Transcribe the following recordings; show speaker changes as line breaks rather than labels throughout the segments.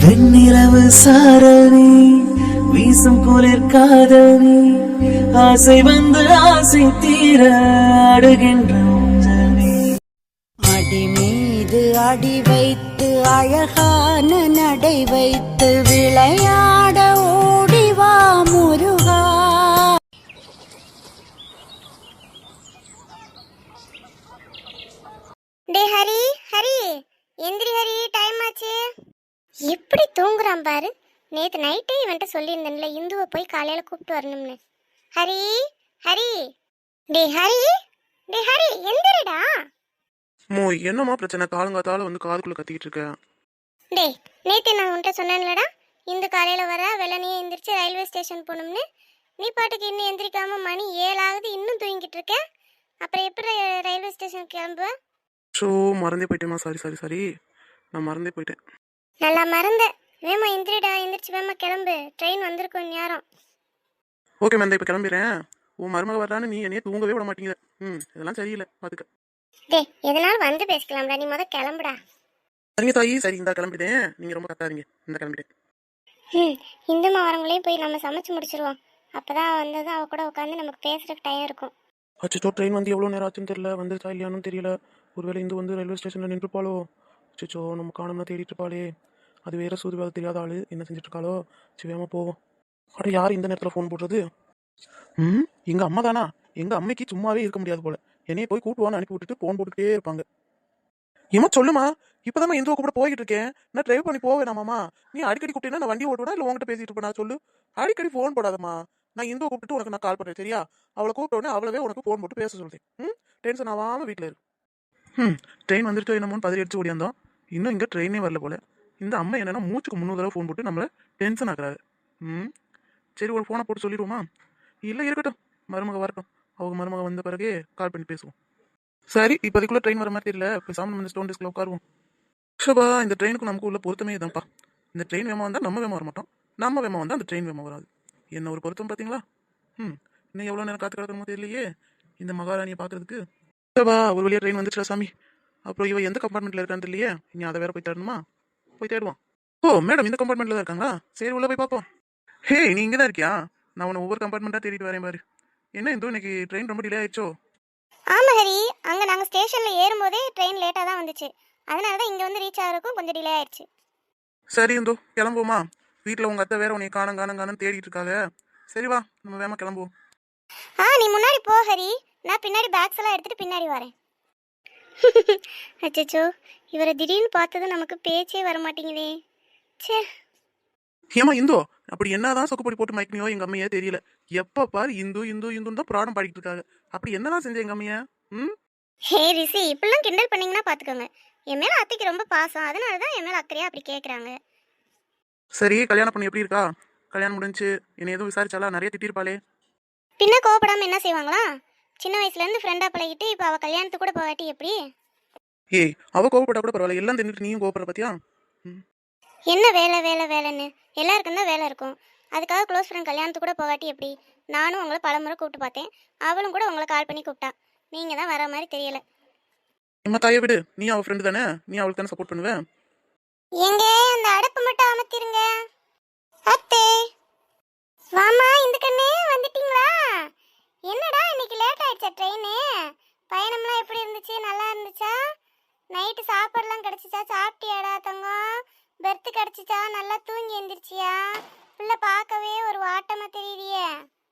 வெண்ணிலவு சாரணி வீசும் குளிர் காதலி ஆசை வந்து ஆசை தீர அடுகின்ற ஊஞ்சலி.
அடி மீது அடி வைத்து அழகான நடை வைத்து விளையாட ஓடிவா முருகா.
டே ஹரி, ஹரி எந்திரி ஹரி, டைம் ஆச்சு. எப்படி தூங்குறான் பாரு. நேற்று நைட்டே இவன்ட்ட சொல்லியிருந்தேன்ல இந்துவை போய் காலையில் கூப்பிட்டு வரணும்னு. ஹரி, ஹரி, டே ஹரி, டே ஹரி எந்திரிடா.
என்னம்மா பிரச்சனை? காலங்காத்தால வந்து காதுக்குள்ள கத்திக்கிட்டு இருக்க.
டே நேற்று நான் உன்ட்ட சொன்னேன்லடா, இந்து காலையில் வர வெள்ளனையே எந்திரிச்சு ரயில்வே ஸ்டேஷன் போகணும்னு. நீ பாட்டுக்கு இன்னும் எந்திரிக்காம மணி 7 ஆகுது, இன்னும் தூங்கிட்டு இருக்க. அப்புறம் எப்படி ரயில்வே ஸ்டேஷன் கிளம்புவ?
ஸோ மறந்தே போயிட்டேம்மா. சாரி சாரி சாரி, நான் மறந்தே போயிட்டேன்.
நல்லா மறந்த. வேமா எந்திரிடா, எந்திரிச்சு வேமா கிளம்பு, ட்ரெயின் வந்திருக்கும் நேரம்.
ஓகே மேம், இப்போ கிளம்பிடுறேன். உன் மருமக வர்றான்னு நீ என்னையே தூங்கவே விட மாட்டேங்கிற. இதெல்லாம் சரியில்லை, பார்த்துக்க.
டே எதனாலும் வந்து பேசிக்கலாம்டா, நீ முத கிளம்புடா.
சரிங்க தாயி, சரி இந்த கிளம்பிட்டேன். நீங்கள் ரொம்ப கத்தாதீங்க, இந்த கிளம்பிட்டேன்.
இந்துமா வரவங்களையும் போய் நம்ம சமைச்சு முடிச்சிருவோம். அப்பதான் வந்தது அவ கூட உட்காந்து நமக்கு பேசுறதுக்கு டைம் இருக்கும்.
அச்சோ, ட்ரெயின் வந்து எவ்வளோ நேரம் ஆச்சுன்னு தெரியல, வந்துருச்சா இல்லையானு தெரியல. ஒருவேளை இந்து வந்து ரயில்வே ஸ்டேஷனில் நின்றுப்பாளோ? அச்சோ, நம்ம காணோம்னா தேடிட்டு இருப்பாளே. அது வேற சூதுவாக தெரியாத ஆள் என்ன செஞ்சுட்டு இருக்காளோ? சிவமா போவோம். அட யார் இந்த நேரத்தில் ஃபோன் போடுறது? எங்கள் அம்மா தானா? எங்கள் அம்மைக்கு சும்மாவே இருக்க முடியாது போல. என்னைய போய் கூட்டுவான்னு அனுப்பி விட்டுட்டு ஃபோன் போட்டுக்கிட்டே இருப்பாங்க. ஏமா சொல்லுமா, இப்போதான் இந்துவை கூட போய்கிட்டு இருக்கேன். நான் டிரைவ் பண்ணி போவேன் வேணாமாம்மா? நீ அடிக்கடி கூப்பிட்டேன்னா நான் வண்டி ஓட்டுவேனா இல்லை உங்ககிட்ட பேசிட்டு இருப்பேன்? சொல்லு. அடிக்கடி ஃபோன் போடாதம்மா. நான் இந்துவை கூப்பிட்டு உனக்கு நான் கால் பண்ணுறேன், சரியா? அவளை கூப்பிட்ட உடனே அவளவே உனக்கு ஃபோன் போட்டு பேச சொல்றேன். டென்ஷன் ஆகாமல் வீட்டில் இரு. ட்ரெயின் வந்துட்டு என்னமோன்னு பதறி அடிச்சு ஓடியாந்தோம். இன்னும் இங்கே ட்ரெயினே வரல போல. இந்த அம்மா என்னன்னா மூச்சுக்கு 3 தடவை ஃபோன் போட்டு நம்மளை டென்ஷன் ஆகுறாரு. சரி, ஒரு ஃபோனை போட்டு சொல்லிடுவோமா? இல்லை இருக்கட்டும், மருமக வரட்டும். அவங்க மருமக வந்த பிறகு கால் பண்ணி பேசுவோம். சரி, இப்போதைக்குள்ள ட்ரெயின் வர மாதிரி தெரியல. இப்போ சாமி வந்து ஸ்டோன் டெஸ்கில் உட்காருவோம். ஷபா, இந்த ட்ரெயினுக்கு நமக்கு உள்ள பொருத்தமே தான்ப்பா. இந்த ட்ரெயின் வேமா வந்தால் நம்ம வேமா வர மாட்டோம், நம்ம வேமா வந்தால் அந்த ட்ரெயின் வேமா வராது. என்ன ஒரு பொருத்தம் பார்த்தீங்களா? இன்னும் எவ்வளோ நேரம் காத்து கிடக்கணுமோ தெரியலையே இந்த மகாராணியை பார்க்கறதுக்கு. ஷபா, ஒரு வழியாக ட்ரெயின் வந்துச்சுடா சாமி. அப்புறம் இவ எந்த கம்பார்ட்மெண்ட்டில் இருக்கான்னு தெரியலையே. இனி அதை வேற போய் தேடணுமா? போய் தேடுவோம். ஓ மேடம், இந்த கம்பார்ட்மெண்ட்டில் தான் இருக்காங்களா? சரி, உள்ளே போய் பார்ப்போம். ஹே, நீ இங்கே தான் இருக்கியா? நான் உன்னை ஒவ்வொரு கம்பார்ட்மெண்ட்டாக தேடிட்டு வரேன் பாரு. என்ன இந்தோ இன்னைக்கு ட்ரெயின் ரொம்ப டிலே ஆயிடுச்சோ?
ஆமா ஹரி, அங்க நாங்க ஸ்டேஷன்ல ஏறும்போதே ட்ரெயின் லேட்டா தான் வந்துச்சு. அதனாலதான் இங்க வந்து ரீச் ஆகிறதுக்கும் கொஞ்சம் டிலே ஆயிடுச்சு.
சரி இந்தோ கிளம்புவோமா? வீட்டில் உங்கள் அத்தை வேற உன்னை காணும் தேடிட்டு இருக்காங்க. சரி வா, நம்ம வேமா கிளம்புவோம்.
நீ முன்னாடி போ ஹரி, நான் பின்னாடி பேக்ஸ் எல்லாம் எடுத்துட்டு பின்னாடி வரேன். அச்சோ, இவரை திடீர்னு பார்த்தது நமக்கு பேச்சே வர மாட்டேங்குதே. சே,
ஏமா இந்தோ, அப்படி என்னதான் சொக்குப்பொடி போட்டு மயக்கமையோ எங்க அம்மையே தெரியல. எப்ப பாரு இந்து இந்து இந்துன்னு தான் பிராணம் பாடிட்டு இருக்காங்க. அப்படி என்னதான் செஞ்ச எங்க அம்மையா?
ஹே ரிஷி, இப்பெல்லாம் கிண்டல் பண்ணீங்கன்னா பாத்துக்கோங்க. என் மேல அத்தைக்கு ரொம்ப பாசம், அதனாலதான் என் மேல அக்கறையா அப்படி கேக்குறாங்க.
சரி, கல்யாணம் பண்ணி எப்படி இருக்கா? கல்யாணம் முடிஞ்சு என்ன எதுவும் விசாரிச்சாலா? நிறைய திட்டிருப்பாளே.
பின்ன கோவப்படாம என்ன செய்வாங்களா? சின்ன வயசுல இருந்து ஃப்ரெண்டா பழகிட்டு இப்ப அவ கல்யாணத்துக்கு கூட போகாட்டி எப்படி?
ஏய், அவ கோவப்பட்டா கூட பரவாயில்ல, எல்லாம் தெரிஞ்சுட்டு நீயும் கோவப்படுற பத்தியா?
என்ன வேலை வேலை வேலைன்னு எல்லாருக்கும் தான் வேலை இருக்கும். அதுக்காக க்ளோஸ் ஃப்ரெண்ட் கல்யாணத்துக்கு கூட போகாட்டி எப்படி? நானும் உங்களை பலமுறை கூப்பிட்டு பார்த்தேன், அவளும் கூட உங்களை கால் பண்ணி கூப்பிட்டா. நீங்க தான் வர மாதிரி தெரியல.
நம்ம தாயை விடு, நீ அவ ஃப்ரெண்டு தானே, நீ அவளுக்கு தானே சப்போர்ட் பண்ணுவேன்.
எங்க அந்த அடுப்பு மட்டும் அமர்த்திருங்க. அத்தே வாமா, இந்த கண்ணே வந்துட்டீங்களா? என்னடா இன்னைக்கு லேட் ஆயிடுச்சா ட்ரெயின்? பயணம்லாம் எப்படி இருந்துச்சு? நல்லா இருந்துச்சா? நைட்டு சாப்பாடுலாம் கிடைச்சிச்சா? சாப்பிட்டியாடா தங்கம்? பெர்த்து கிடைச்சிச்சா? நல்லா தூங்கி எந்திரிச்சியா? பிள்ளை பார்க்கவே ஒரு வாட்டமா தெரியலையே.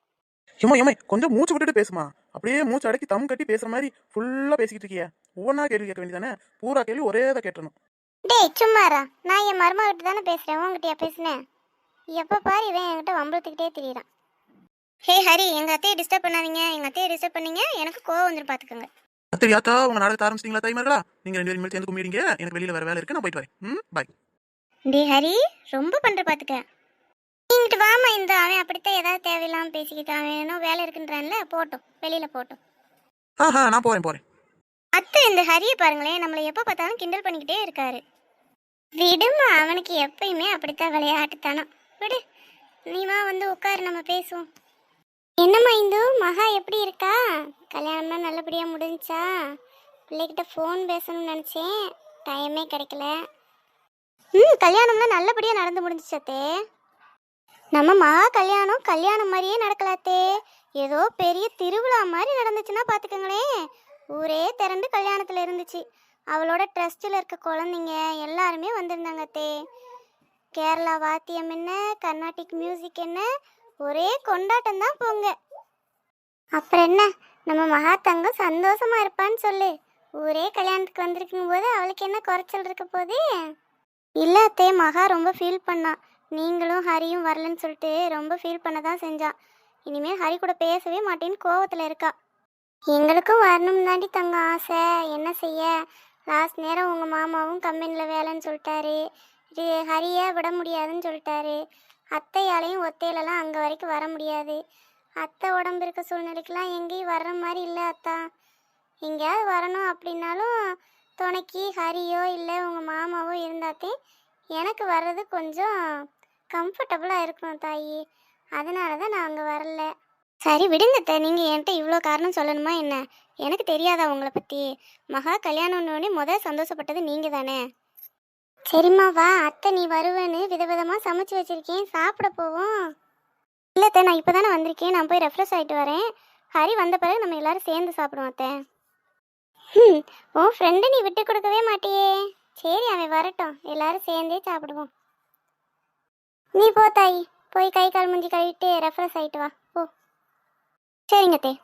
ஏமா கொஞ்சம் மூச்சு விட்டுட்டு பேசுமா. அப்படியே மூச்சு அடக்கி தம் கட்டி பேசுற மாதிரி ஃபுல்லா பேசிக்கிட்டு இருக்கிய. ஒவ்வொன்றா கேள்வி கேட்க வேண்டியதானே? பூரா கேள்வி ஒரே தான் கேட்டணும்.
டேய் சும்மாரா, நான் என் மருமகிட்ட தானே பேசுறேன், உங்ககிட்டயா பேசுனேன்? எப்போ பாரு இவன் என்கிட்ட வம்பளத்துக்கிட்டே தெரியறான். ஹே ஹரி, எங்க அத்தையை டிஸ்டர்ப் பண்ணாதீங்க. எங்க அத்தையை டிஸ்டர்ப் பண்ணீங்க எனக்கு கோவம் வந்துடும் பாத்துக்கோங்க.
அத்தையாத்தா, உங்க நாடகத்தை ஆரம்பிச்சிட்டீங்களா தாய்மார்களா? நீங்க 2 பேரும் சேர்ந்து கும்பிடுங்க. எனக்கு வெளியில வேற வேலை இருக்கு, நான் போயிட்டு வரேன். பாய்.
டே ஹரி, ரொம்ப பண்ற பாத்துக்க. நீங்கிட்டு வாமா, இந்த அவன் அப்படித்தான் ஏதாவது தேவையில்லாம பேசிக்கிட்டு அவன் ஏதோ வேலை இருக்குன்றான்ல, போட்டும் வெளியில போட்டும்.
நான் போறேன்.
அத்தை இந்த ஹரியை பாருங்களேன், நம்மளை எப்ப பார்த்தாலும் கிண்டல் பண்ணிக்கிட்டே இருக்காரு. விடுமா, அவனுக்கு எப்பயுமே அப்படித்தான் விளையாட்டுத்தானோ. விடு, நீமா வந்து உட்காரு, நம்ம பேசுவோம். என்னம்மா இந்து, மகா எப்படி இருக்கா? கல்யாணம்லாம் நல்லபடியா முடிஞ்சா? பிள்ளைகிட்ட ஃபோன் பேசணும்னு நினச்சேன், டைமே கிடைக்கல. கல்யாணம்லாம் நல்லபடியாக நடந்து முடிஞ்சிச்சு அத்தே. நம்ம மகா கல்யாணம் மாதிரியே நடக்கலாத்தே. ஏதோ பெரிய திருவிழா மாதிரி நடந்துச்சுன்னா பார்த்துக்கங்களேன். ஊரே திரண்டு கல்யாணத்தில் இருந்துச்சு. அவளோட ட்ரஸ்டில் இருக்க குழந்தைங்க எல்லாருமே வந்திருந்தாங்க அத்தே. கேரளா வாத்தியம் என்ன, கர்நாடிக் மியூசிக் என்ன, ஒரே கொண்டாட்டம் தான் போங்க. அப்புறம் என்ன, நம்ம மகா தங்கம் சந்தோஷமா இருப்பான்னு சொல்லு. ஊரே கல்யாணத்துக்கு வந்திருக்கும் போது அவளுக்கு என்ன குறைச்சல் இருக்க போது? இல்லை அத்தே, மகா ரொம்ப ஃபீல் பண்ணா. நீங்களும் ஹரியும் வரலன்னு சொல்லிட்டு ரொம்ப ஃபீல் பண்ண தான் செஞ்சான். இனிமேல் ஹரி கூட பேசவே மாட்டேன்னு கோவத்தில் இருக்கா. எங்களுக்கும் வரணும் தாண்டி தங்க ஆசை, என்ன செய்ய. லாஸ்ட் நேரம் உங்கள் மாமாவும் கம்பெனியில் வேலைன்னு சொல்லிட்டாரு. இது ஹரியை விட முடியாதுன்னு சொல்லிட்டாரு. அத்தையாலையும் ஒத்தையிலலாம் அங்கே வரைக்கும் வர முடியாது. அத்தை உடம்பு இருக்க சூழ்நிலைக்கெலாம் எங்கேயும் வர்ற மாதிரி இல்லை அத்தா. எங்கேயாவது வரணும் அப்படின்னாலும் துணைக்கு ஹரியோ இல்லை உங்கள் மாமாவோ இருந்தாத்தே எனக்கு வர்றது கொஞ்சம் கம்ஃபர்டபுளாக இருக்கும் தாயி. அதனால தான் நான் அங்கே வரல. சரி விடுங்கத்த, நீங்கள் என்கிட்ட இவ்வளோ காரணம் சொல்லணுமா என்ன? எனக்கு தெரியாதா உங்களை பற்றி? மகா கல்யாணம்னோடனே முதல் சந்தோஷப்பட்டது நீங்கள் தானே. சரிம்மா வா, அத்தை நீ வருவேன்னு விதவிதமாக சமைச்சு வச்சுருக்கேன், சாப்பிட போவோம். இல்லைத்த, நான் இப்போ தானே வந்திருக்கேன், நான் போய் ரெஃப்ரெஷ் ஆகிட்டு வரேன். ஹரி வந்த பிறகு நம்ம எல்லோரும் சேர்ந்து சாப்பிடுவோம் அத்தை. உன் ஃப்ரெண்டு நீ விட்டு கொடுக்கவே மாட்டியே. சரி அவன் வரட்டும், எல்லாரும் சேர்ந்தே சாப்பிடுவோம். நீ போ தாயி, போய் கை கால் மூஞ்சி கழுவிட்டு ரெஃப்ரெஷ் ஆகிட்டு வா போ. சரிங்க தே.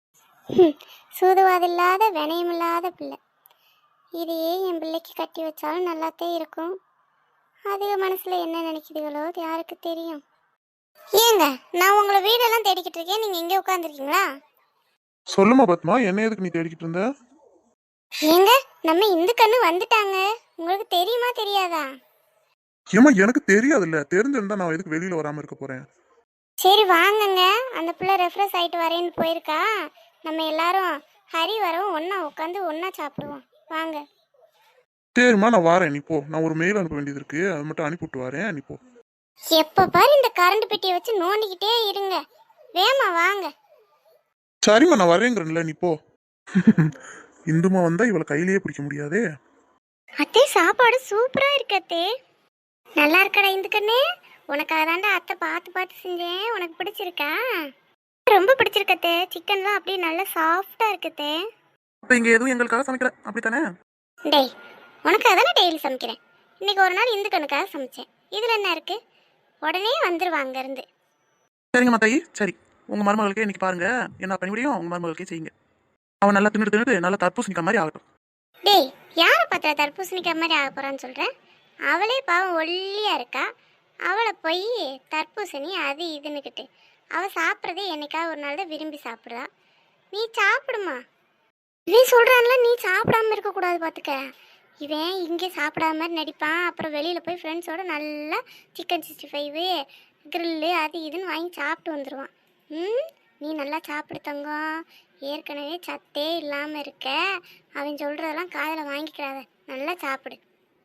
சூதுவாதில்லாத வினயமில்லாத பிள்ளை. இதையே என் பிள்ளைக்கு கட்டி வச்சாலும் நல்லாத்தே இருக்கும். அதுக மனசில் என்ன நினைக்குதுகளோ யாருக்கு தெரியும். ஏங்க, நான் உங்களை வீடெல்லாம் தேடிக்கிட்டு இருக்கேன், நீங்கள் இங்கே உட்காந்துருக்கீங்களா?
சொல்லுமா பத்மா, என்ன எதுக்கு நீ தேடிக்கிட்டு இருந்த?
ஏங்க, நம்ம இந்த கண்ணு வந்துட்டாங்க. உங்களுக்கு தெரியுமா தெரியாதா?
ஏமா எனக்கு தெரியாதுல்ல, தெரிஞ்சிருந்தா நான் எதுக்கு வெளியில வராம இருக்க போறேன்.
சரி வாங்கங்க, அந்த பிள்ளை ரெஃப்ரெஷ் ஆகிட்டு வரேன்னு போயிருக்கா. நம்ம எல்லாரும் ஹரி வரவும் ஒன்றா உட்காந்து ஒன்றா சாப்பிடுவோம் வாங்க.
சரிம்மா நான் வரேன், நீ போ. நான் ஒரு மெயில் அனுப்ப வேண்டியது இருக்கு, அது மட்டும் அனுப்பிவிட்டு வரேன், நீ போ.
எப்போ பாரு இந்த கரண்ட் பெட்டியை வச்சு நோண்டிக்கிட்டே இருங்க. வேமா வாங்க.
சரிம்மா நான் வரேங்கிறேன்ல, நீ போ. இந்துமா வந்தா இவளை கையிலேயே பிடிக்க முடியாதே.
அத்தே சாப்பாடு சூப்பரா இருக்கு அத்தே. நல்லா இருக்கடா இந்த கண்ணே, உனக்காக தாண்டா அத்தை பார்த்து பார்த்து செஞ்சேன். உனக்கு பிடிச்சிருக்கா? ரொம்ப பிடிச்சிருக்கத்தே. சிக்கன்லாம் அப்படியே நல்லா சாஃப்டா இருக்குத்தே.
அப்ப இங்க எதுவும் எங்களுக்காக சமைக்கல அப்படித்தானே?
டேய், உனக்காக தானே டெய்லி சமைக்கிறேன். இன்னைக்கு ஒரு நாள் இந்த கண்ணுக்காக சமைச்சேன். இதுல என்ன இருக்கு? உடனே வந்துருவாங்க இருந்து.
சரிங்க மாத்தாயி, சரி. உங்க மருமகளுக்கே இன்னைக்கு பாருங்க என்ன பண்ணி முடியும், உங்க மருமகளுக்கே செய்யுங்க. அவன் நல்லா தின்னுட்டு நல்லா தர்பூசணிக்கா மாதிரி ஆகட்டும்.
டேய், யாரை பார்த்தா தர்பூசணிக்கா மாதிரி ஆக போறான்னு சொல்றேன்? அவளே பாவம் ஒல்லியா இருக்கா. அவளை போய் தர்பூசணி அது இதுன்னுக்கிட்டு அவள் சாப்பிட்றதே என்னைக்காவது ஒரு நாள் தான் விரும்பி சாப்பிட்றா. நீ சாப்பிடுமா. இவன் சொல்கிறான்ல நீ சாப்பிடாம இருக்கக்கூடாது பார்த்துக்க. இவன் இங்கே சாப்பிடாம மாதிரி நடிப்பான். அப்புறம் வெளியில் போய் ஃப்ரெண்ட்ஸோடு நல்லா சிக்கன் 65 கிரில்லு அது இதுன்னு வாங்கி சாப்பிட்டு வந்துடுவான். நீ நல்லா சாப்பிடு தங்கம். ஏற்கனவே சத்தே இல்லாமல் இருக்க. அவன் சொல்கிறதெல்லாம் காதில் வாங்கிக்கிறாத, நல்லா சாப்பிடு.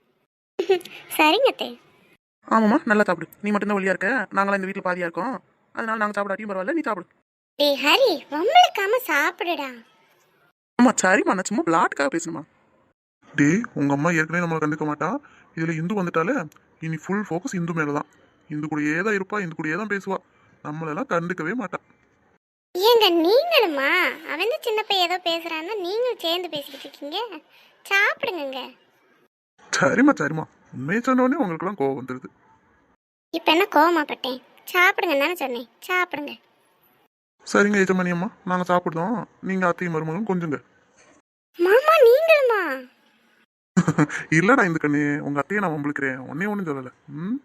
சரிங்கத்தே.
ஆமாம்மா நல்லா சாப்பிடு. நீ மட்டும்தான் ஒல்லியா இருக்க, நாங்களாம் இந்த வீட்டில் பாதியா இருக்கோம். அதனால நாங்கள் சாப்பிடாட்டியும் பரவாயில்ல, நீ சாப்பிடு.
டேய் ஹரி, வம்பளுக்காம சாப்பிடுடா.
ஆமா சரிம்மா, நான் சும்மா பிளாட்டுக்காக பேசணுமா. டே, உங்க அம்மா ஏற்கனவே நம்மளை கண்டுக்க மாட்டா. இதுல இந்து வந்துட்டாலே இனி ஃபுல் ஃபோக்கஸ் இந்து மேலதான். இந்து கூடயே தான் இருப்பா, இந்து கூடயே தான் பேசுவா. நம்மளெல்லாம் கண்டுக்கவே மாட்டா.
ஏங்க நீங்களுமா? அவன் சின்ன பையன் ஏதோ பேசுறான்னா நீங்களும் சேர்ந்து பேசிக்கிட்டு இருக்கீங்க. சாப்பிடுங்க.
சரிம்மா சரிம்மா, உண்மையை சொன்னோடனே உங்களுக்குலாம் கோவம் வந்துடுது.
இப்போ என்ன கோவமாப்பட்டேன்? சாப்பிடுங்க தானே சொன்னேன், சாப்பிடுங்க.
சரிங்க எஜமானி அம்மா, நாங்கள் சாப்பிடுதோம். நீங்கள் அத்தையும் மருமகளும் கொஞ்சங்க.
மாமா நீங்களுமா?
இல்லடா இந்த கண்ணு, உங்க அத்தையை நான் வம்பிழுக்கிறேன், ஒன்னே ஒன்றும் சொல்லலை.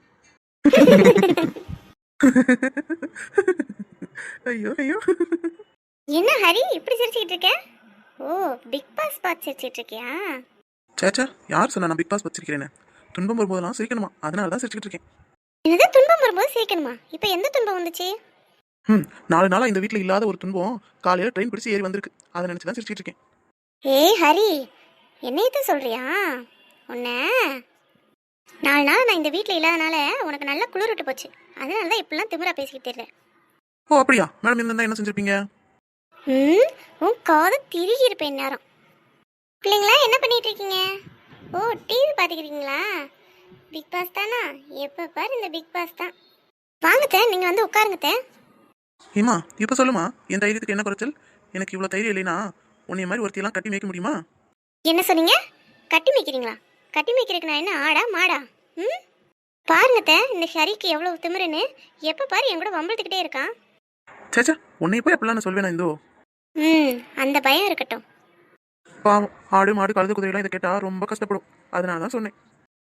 ஐயோ ஐயோ.
என்ன ஹரி இப்படி சிரிச்சுக்கிட்டு இருக்க? ஓ, பிக் பாஸ் பார்த்து சிரிச்சுட்டு இருக்கியா?
சேச்சா, யார் சொன்னா நான் பிக் பாஸ் வச்சிருக்கிறேன்னு? துன்பம் வரும்போதெல்லாம் சிரிக்கணுமா, அதனால தான் சிரிச்சுக்கிட்டு இருக்கேன்.
என்னது துன்பம் வரும்போது சிரிக்கணுமா? இப்போ எந்த துன்பம் வந்துச்சு?
4 நாளாக இந்த வீட்டில் இல்லாத ஒரு துன்பம் காலையில் ட்ரெயின் பிடிச்சி ஏறி வந்திருக்கு. அதை நினச்சி தான் சிரிச்சிட்டு இருக்கேன்.
ஏய் ஹரி, என்னையத்தான் சொல்றியா? உன்ன 4 நாள் நான் இந்த வீட்டில் இல்லாதனால உனக்கு நல்லா குளிர் விட்டு போச்சு. அதனால தான் இப்படிலாம் திமிரா பேசிக்கிட்டு இருக்கேன்.
ஓ அப்படியா? மேடம் இருந்தா என்ன செஞ்சிருப்பீங்க?
உன் காதை திருகி இருப்பேன் நேரம். பிள்ளைங்களா என்ன பண்ணிட்டு இருக்கீங்க? ஓ டிவி பார்த்துக்கிறீங்களா? பிக் பாஸ் தானா? எப்போ பாரு இந்த பிக் பாஸ் தான். வாங்கத்த, நீங்கள் வந்து உட்காருங்கத்த.
ஏமா இப்போ சொல்லுமா, என் தைரியத்துக்கு என்ன குறைச்சல்? எனக்கு இவ்வளோ தைரியம் இல்லைனா உன்னைய மாதிரி ஒருத்தியெல்லாம் கட்டி மேய்க்க முடியுமா?
என்ன சொன்னீங்க? கட்டி மேய்க்கிறீங்களா? கட்டி மேய்க்கிறதுக்கு நான் என்ன ஆடா மாடா? ம், பாருங்கத்த, இந்த ஷரிக்கு எவ்வளோ திமிருன்னு. எப்போ பாரு என் கூட வம்பிழுத்துக்கிட்டே இருக்கான்.
சேச்சா, உன்னை போய் அப்படிலாம் நான் சொல்வேனா இந்தோ?
ம், அந்த பயம் இருக்கட்டும்.
பாவம், ஆடு மாடு கழுது குதிரைலாம் இதை கேட்டால் ரொம்ப கஷ்டப்படும். அதனால தான் சொன்னேன்.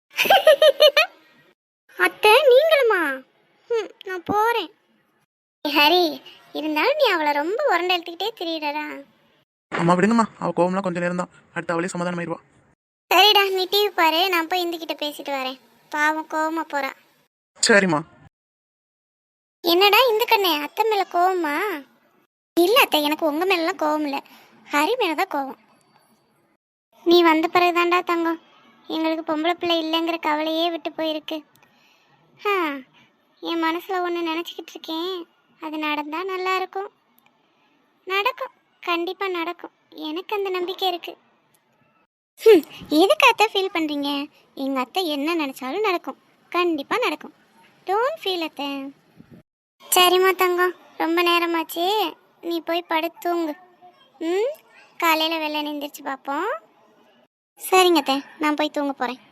அத்தை நீங்களுமா? ம், நான் போகிறேன். ஹரி, இருந்தாலும் நீ அவளை ரொம்ப உரண்டை எடுத்துக்கிட்டே திரியிடறா.
அம்மா விடுங்கம்மா, அவள் கோவம்லாம் கொஞ்சம் நேரம் தான், அடுத்த அவளே சமாதானமாயிருவா.
சரிடா, நீ டிவி பாரு, நான் போய் இந்துக்கிட்ட பேசிட்டு வரேன். பாவம் கோவமா போறா.
சரிம்மா.
என்னடா இந்த கண்ணே, அத்தை மேல கோவமா? இல்லை அத்தை, எனக்கு உங்க மேலாம் கோவம் இல்லை, ஹரி மேலதான் கோவம். நீ வந்த பிறகுதான்டா தங்கம் எங்களுக்கு பொம்பளை பிள்ளை இல்லைங்கிற கவலையே விட்டு போயிருக்கு. என் மனசில் ஒன்று நினச்சிக்கிட்டு இருக்கேன். அது நடந்தால் நல்லா இருக்கும். நடக்கும், கண்டிப்பாக நடக்கும். எனக்கு அந்த நம்பிக்கை இருக்கு. எதுக்கு அத்தை ஃபீல் பண்ணுறீங்க? எங்கள் அத்தை என்ன நினச்சாலும் நடக்கும், கண்டிப்பாக நடக்கும். டோன்ட் ஃபீல் அத்தை. சரிம்மா தங்கம், ரொம்ப நேரமாச்சு, நீ போய் படுத்து தூங்கு. ம், காலையில் வெள்ளை எந்திரிச்சு பார்ப்போம். சரிங்க அத்தை, நான் போய் தூங்க போகிறேன்.